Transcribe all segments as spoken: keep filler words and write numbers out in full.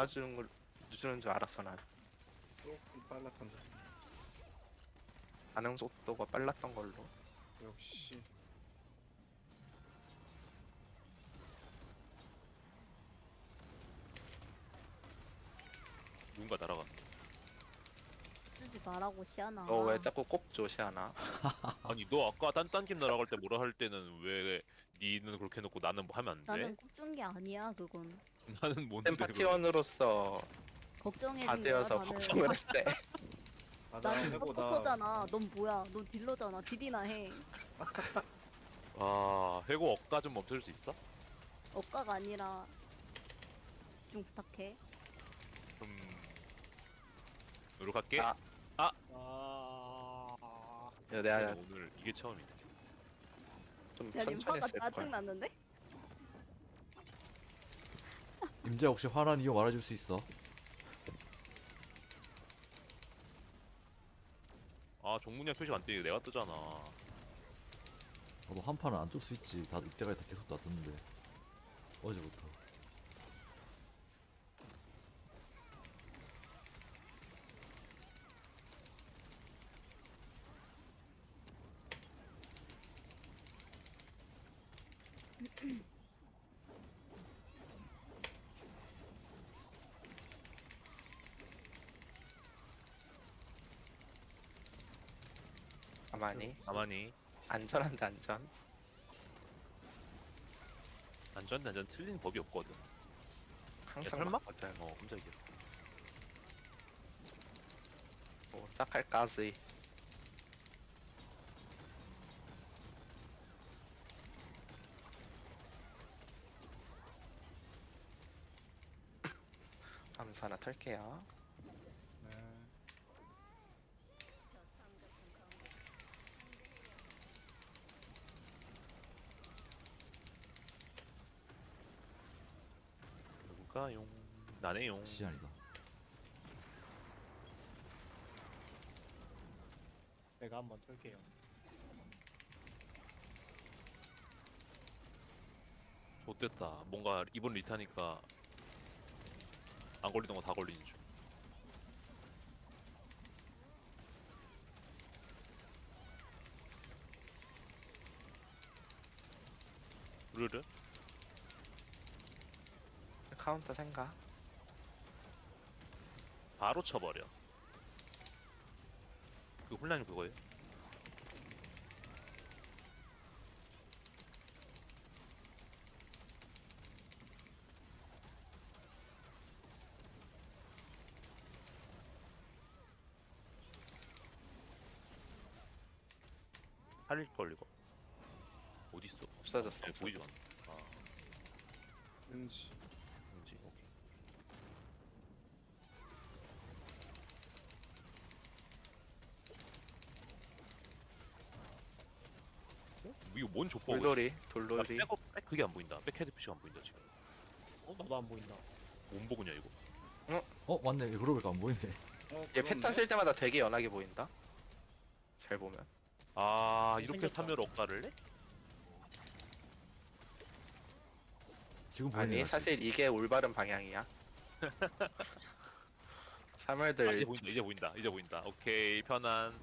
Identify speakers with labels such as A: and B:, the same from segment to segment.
A: 알아주는 걸 주는 줄 알았어 난.
B: 조금 빨랐던데.
A: 반응 속도가 빨랐던 걸로.
B: 역시.
C: 누군가 날아가.
D: 쓰지 말라고 시아나.
A: 너 왜 자꾸 꼽죠 시아나?
C: 아니 너 아까 딴딴팀 날아갈 때 뭐라 할 때는 왜 니는 그렇게 해놓고 나는 뭐 하면 안 돼?
D: 나는 꼽준 게 아니야 그건.
C: 나는 뭔데
A: 템
C: 그걸-
A: 파티원으로서
D: 걱정해준
A: 다
D: 거야
A: 되어서
D: 나는.
A: 걱정을 했대.
B: 맞아,
D: 나는
B: 해보다.
D: 서포터잖아. 넌 뭐야? 넌 딜러잖아. 딜이나 해.
C: 아 해고 억가 좀 멈춰줄 수 있어?
D: 억가가 아니라 좀 부탁해.
C: 좀 노력할게.
A: 아.
B: 아.
A: 야, 내가
C: 오늘 이게 처음이네.
A: 좀
D: 야
A: 천천히
D: 림파가
A: 했을
D: 짜증
A: 거야.
D: 났는데?
E: 임자 혹시 화난 이유 말해줄 수 있어?
C: 아 종문이야 표시 안 뜨게 내가 뜨잖아.
E: 나도 한 판은 안 쫄 수 있지. 다 이때까지 다 계속 놔뒀는데 어제부터.
A: 가만히.
C: 가만히
A: 안전한데 안전.
C: 안전 안전 틀린 법이 없거든. 야,
A: 항상
C: 설마?
A: 맞거든.
C: 어 깜짝이야.
A: 뭐 짝할까지. 암수 하나 털게요.
B: 네.
C: 누굴까용? 나네용.
E: 시안이다.
F: 내가 한번 털게요.
C: 좋됐다. 뭔가 이번 리타니까 안 걸리던 거 다 걸리는 중. 르르?
A: 카운터 생각.
C: 바로 쳐버려. 그 혼란이 그거예요? 살릴 걸리고. 어딨어?
A: 없어졌어.
C: 네, 보이지
A: 없어졌어.
C: 않아. 아,
B: 왠지.
C: 뭔지, 오케이. 어? 이거 뭔 족보?
A: 돌돌이 돌돌이.
C: 백업, 백 그게 안 보인다. 백헤드 표시가 안 보인다, 지금.
F: 어 나도 안 보인다.
C: 뭔 보그냐, 이거?
E: 어 맞네. 그러고 보니까 안 보이네.
B: 어,
A: 얘
B: 그렇네.
A: 패턴 쓸 때마다 되게 연하게 보인다. 잘 보면.
C: 아, 이렇게
F: 생겼다.
C: 사면 억가를 해?
E: 지금 보이네.
A: 아니
E: 다시.
A: 사실 이게 올바른 방향이야.
C: 아,
A: 사물들
C: 이제 보인다, 이제 보인다, 이제 보인다. 오케이, 편안.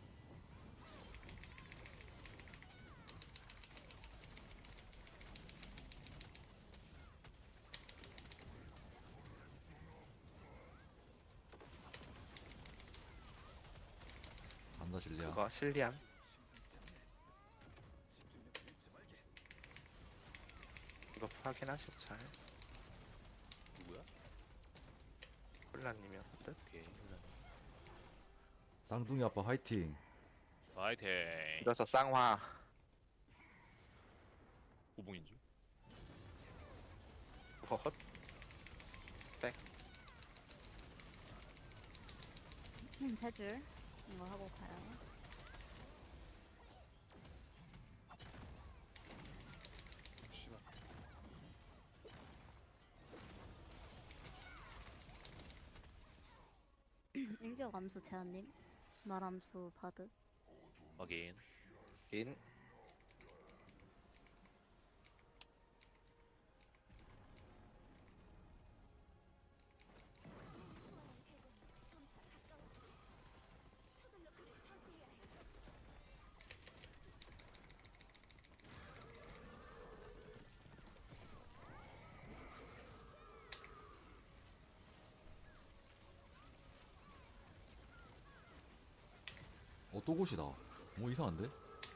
E: 간다 실리야.
A: 그거 실리안. 이거 확인하시고 잘.
C: 누구야?
A: 콜라님이었거든.
C: 오케이, 혼란.
E: 쌍둥이 아빠 화이팅.
C: 화이팅.
A: 이래서 쌍화.
C: 고봉인 줄.
A: 그거 헛.
D: 음, 세 줄. 이거 하고 가요.
B: 씨발.
D: 일격 암수 제한님. 말 암수 바드.
C: 확인.
A: 인.
E: 또 곳이다. 뭐 이상한데?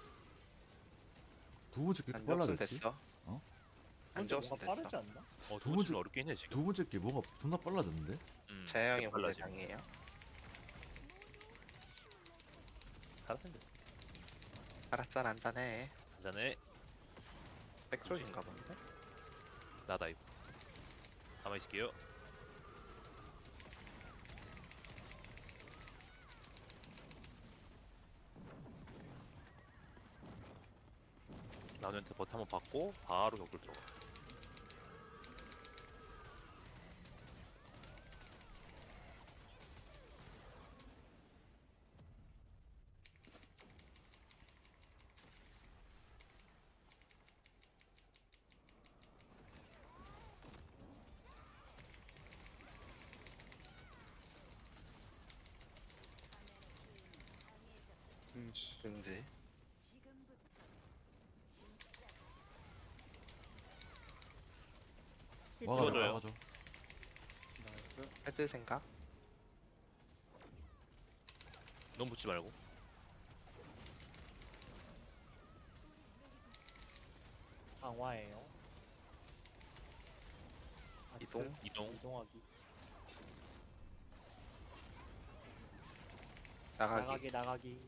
E: 두 번째 게
A: 안
E: 이렇게
A: 적으면
E: 빨라졌지?
A: 됐어.
E: 어?
A: 안
F: 근데
A: 적으면
F: 뭔가
A: 됐어.
F: 빠르지 않나?
C: 어,
E: 두
C: 두
E: 번째-
C: 번째 어렵긴 해 지금.
E: 두 번째 게 뭐가 존나 빨라졌는데?
C: 음,
A: 재영이
C: 빨라지.
A: 본대장이에요.
C: 잘생겼어.
A: 알았잖 한잔해.
C: 한잔해.
A: 백솔인가 본데.
C: 나다 이거. 가만히 있을게요. 나한테 버튼 한번 받고 바로 격돌 들어가.
B: 응지.
A: 왠지.
D: 집
E: 와가지고
C: 이거줘요.
E: 와가지고.
B: 나이스.
A: 헤드 생각.
C: 너무 붙지 말고.
F: 강화예요. 아,
A: 이동.
F: 그
C: 이동.
F: 이동하기.
A: 나가기.
F: 나가기 나가기.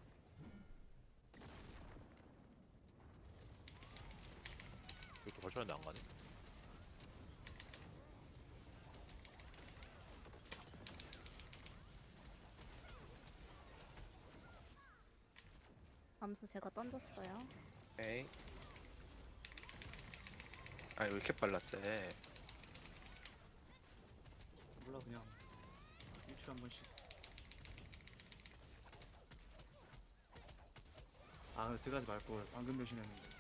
C: 이것도 발전인데 안 가네.
D: 암수 제가 던졌어요.
A: 오케이. 아니 왜 이렇게 빨랐지?
B: 몰라 그냥 일주일에 한 번씩. 아 근데 들어가지 말걸. 방금 배신했는데.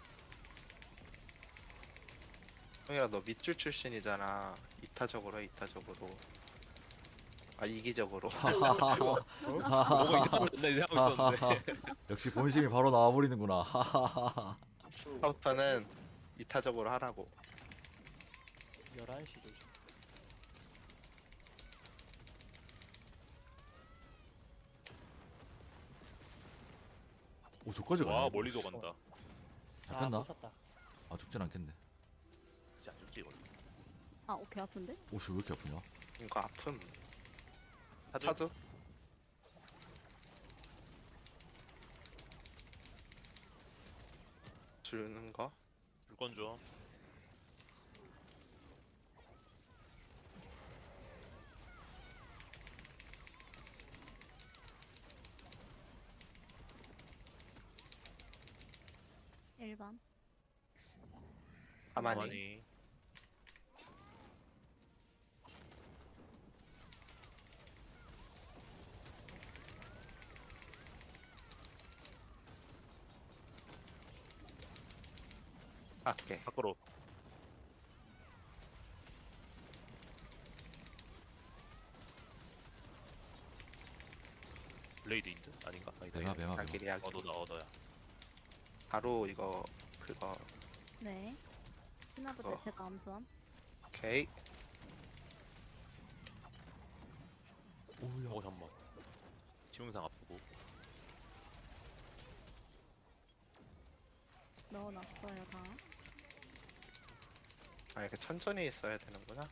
A: 형이야 너 밑줄 출신이잖아. 이타적으로 해, 이타적으로. 아 이기적으로.
C: 뭐가 이제 맨날 하고 있었는데.
E: 역시 본심이 바로 나와버리는구나. 하하하하.
A: 처음부터는 이타적으로 하라고.
F: 열한 시 조심.
E: 오 저까지 가네.
C: 와 멀리도 간다.
F: 아,
E: 잡혔나?
F: 꽂혔다.
E: 아 죽진 않겠네.
C: 진짜 안 죽지 이거.
D: 아, 오케이 아픈데?
E: 오씨 왜 이렇게 아프냐?
A: 이거 아픔.
C: 사주.
A: 차도. 주는 거.
C: 물건 줘.
D: 일 번.
A: 가만히.
C: 가만히.
A: 밖에.
C: 밖으로. 블레이드 인드? 아닌가? 아니다.
E: 배가
C: 이거.
E: 배가 배가.
A: 자기리 하기.
C: 어 너다 어 너야.
A: 바로 이거 그거.
D: 네. 피나볼 때
A: 그거.
D: 제가 암수함.
A: 오케이.
E: 오야.
C: 어 잠만. 지명상 아프고.
D: 넣어놨어요 다.
A: 아 이렇게 천천히 있어야 되는구나.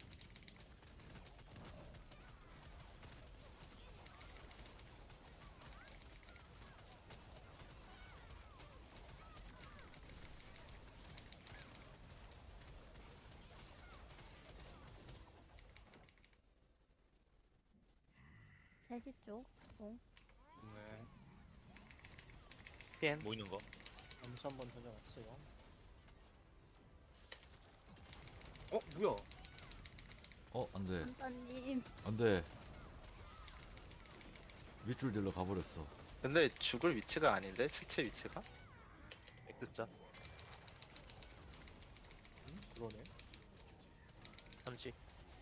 D: 세 시 쪽. 공.
B: 네.
A: 피엔.
C: 뭐 있는 거?
F: 암수 한번 던져놨어요.
B: 어 뭐야?
E: 어 안돼
D: 한따님.
E: 안돼. 밑줄 들러 가버렸어.
A: 근데 죽을 위치가 아닌데 시체 위치가?
C: X자.
F: 음? 그러네.
C: 삼십.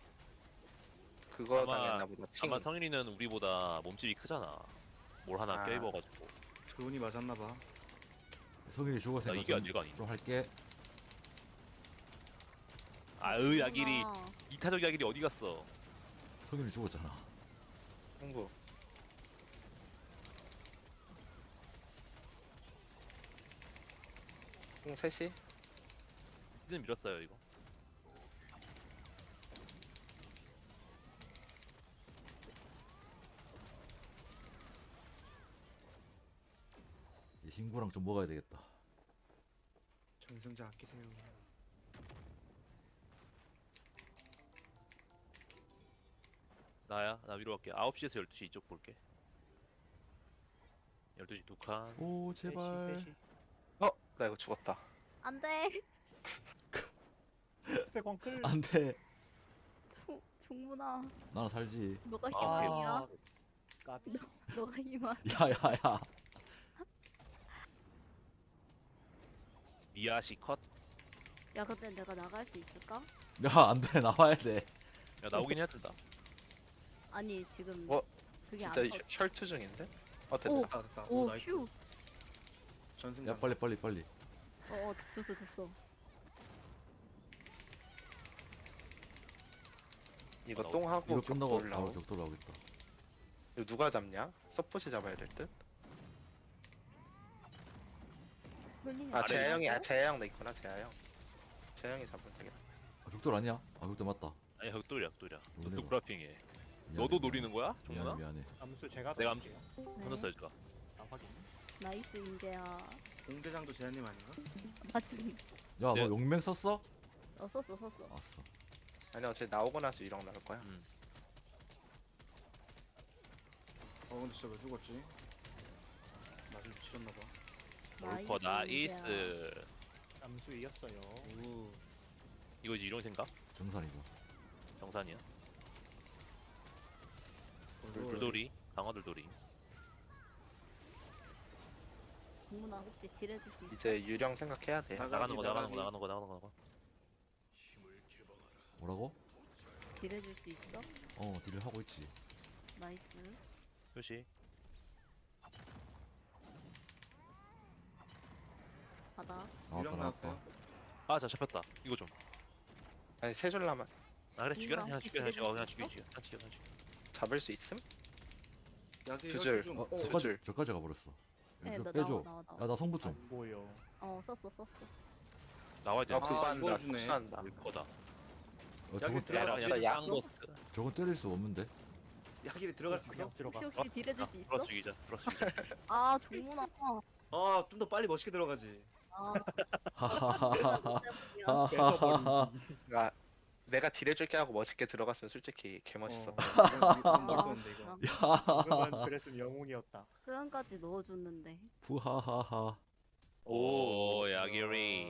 A: 그거
C: 아마-
A: 당했나 보다. 핑.
C: 아마 성인이는 우리보다 몸집이 크잖아. 뭘 하나
A: 아.
C: 껴입어가지고.
B: 그분이 맞았나봐.
E: 성인이
C: 나
E: 죽었으니까
C: 이게
E: 좀,
C: 아니가 아니.
E: 좀 할게.
C: 아으 야길이
D: 그렇구나.
C: 이타적 야길이 어디 갔어?
E: 성인이 죽었잖아.
A: 홍구. 공 셋이?
C: 히든 밀었어요 이거.
E: 이 흰구랑 좀 먹어야 되겠다.
B: 전승자 아끼세요.
C: 나야 나 위로 갈게. 아홉 시에서 열두 시 이쪽 볼게. 열두 시 두 칸.
E: 오 제발.
F: 셋이, 셋이.
A: 어? 나 이거 죽었다.
D: 안돼.
F: 백원 끌.
E: 안돼.
D: 종문아,
E: 나는 살지.
D: 너가
C: 아.
D: 희망이야.
F: 까비.
D: 너가 희망.
E: 야야야.
C: 미야시 컷.
D: 야, 근데 내가 나갈 수 있을까?
E: 야 안돼 나와야 돼.
C: 야 나오긴 해야 된다.
D: 아니 지금
A: 어?
D: 그게 안
A: 진짜
D: 떠.
A: 혈- 혈투 중인데? 어
D: 오.
A: 됐다.
B: 됐다 됐다. 오,
D: 오,
B: 나이스.
D: 휴.
B: 전승자.
E: 야 빨리 빨리 빨리.
D: 어, 어, 줬어, 줬어.
A: 이거
C: 어,
A: 똥하고
E: 이거 끝나고
A: 격돌
E: 바로
A: 나오.
E: 격돌 나오겠다.
A: 이거 누가 잡냐? 서포트 잡아야 될 듯?
D: 롤링이
A: 아
D: 안
A: 재하 형이 아
D: 되냐고?
A: 재하 형도 있구나 재하 형. 재하 형이 잡으면 되겠다.
E: 아, 격돌 아니야? 아 격돌 맞다.
C: 아니 흑돌이야 흑돌이야. 너
E: 놀래라.
C: 누구라핑해?
E: 미안해,
C: 너도
E: 미안해.
C: 노리는 거야?
E: 미안해
C: 정문아?
E: 미안해.
F: 암수 제가
C: 내가
F: 넣을게요.
D: 네.
C: 끊었어 제가.
F: 아 확인.
D: 나이스 인재야.
B: 공대장도 제한님 아닌가?
D: 나 지금
E: 야너
C: 네.
E: 용맹 썼어?
D: 어 썼어, 썼어.
E: 아싸.
A: 아니 어차피 나오고 나서 유령 나올 거야.
C: 음.
B: 어 근데 진짜 왜 죽었지? 맞을 미쳤나봐.
C: 올커
D: 인재야.
C: 나이스.
F: 암수 이겼어요.
B: 오.
C: 이거 이제 이런 생각?
E: 정산이고.
C: 정산이야.
B: 돌돌.
C: 돌돌이. 강화 돌돌이.
D: 종문아 혹시 딜해줄 수 있어?
A: 이제 유령 생각해야 돼.
B: 나가-
C: 나가는 거 나가는
B: 나가기.
C: 거 나가는 거 나가는 거 나가는 거.
E: 뭐라고?
D: 딜해줄 수 있어?
E: 어 딜을 하고 있지.
D: 나이스.
C: 표시.
D: 바다.
E: 나왔다
B: 유령
E: 나왔다.
B: 나왔어요.
C: 아자 잡혔다. 이거 좀.
A: 아니 세 줄 남아
C: 아 그래 죽여라. 그냥
D: 혹시
C: 죽여 그냥 죽여. 그냥
D: 딜해줄
C: 죽여
D: 수
C: 죽여. 그냥 죽여 그냥 죽여.
A: 잡을 수 있음?
B: 약이
A: 두 줄.
B: 혈투 중.
E: 어
B: 어,
E: 저까지
A: 줄.
E: 저까지 가버렸어.
D: 네,
E: 좀
D: 나
E: 빼줘.
D: 나와, 나와, 나와.
E: 야 나 성부 좀.
F: 안 보여.
D: 어, 썼어, 썼어.
C: 나와야 돼.
A: 아 그거
B: 아,
A: 한다.
B: 이걸 주네.
A: 복수한다.
C: 물거다.
E: 어,
B: 여기
E: 저건
B: 들어가-
C: 야
A: 진짜
C: 그냥
A: 약
C: 쌍로스트.
E: 저건 때릴 수 없는데.
B: 약이 들어갈 수 있어?
F: 그냥 들어가.
D: 혹시 혹시 딜해줄 수 있어?
C: 풀어 죽이자. 풀어 죽이자.
D: 아, 종문아.
B: 아, 좀 더 빨리 멋있게 들어가지.
D: 아,
E: 하하하하.
D: 아,
E: 하하하하.
A: 그러니까 내가 딜해줄게 하고 멋있게 들어갔으면 솔직히 개 멋있어.
B: 어, 이건- 이건 멋있었는데 이거.
F: 그거만 그랬으면 영웅이었다.
D: 표현까지 넣어줬는데.
E: 부하하하.
C: 오 야기리.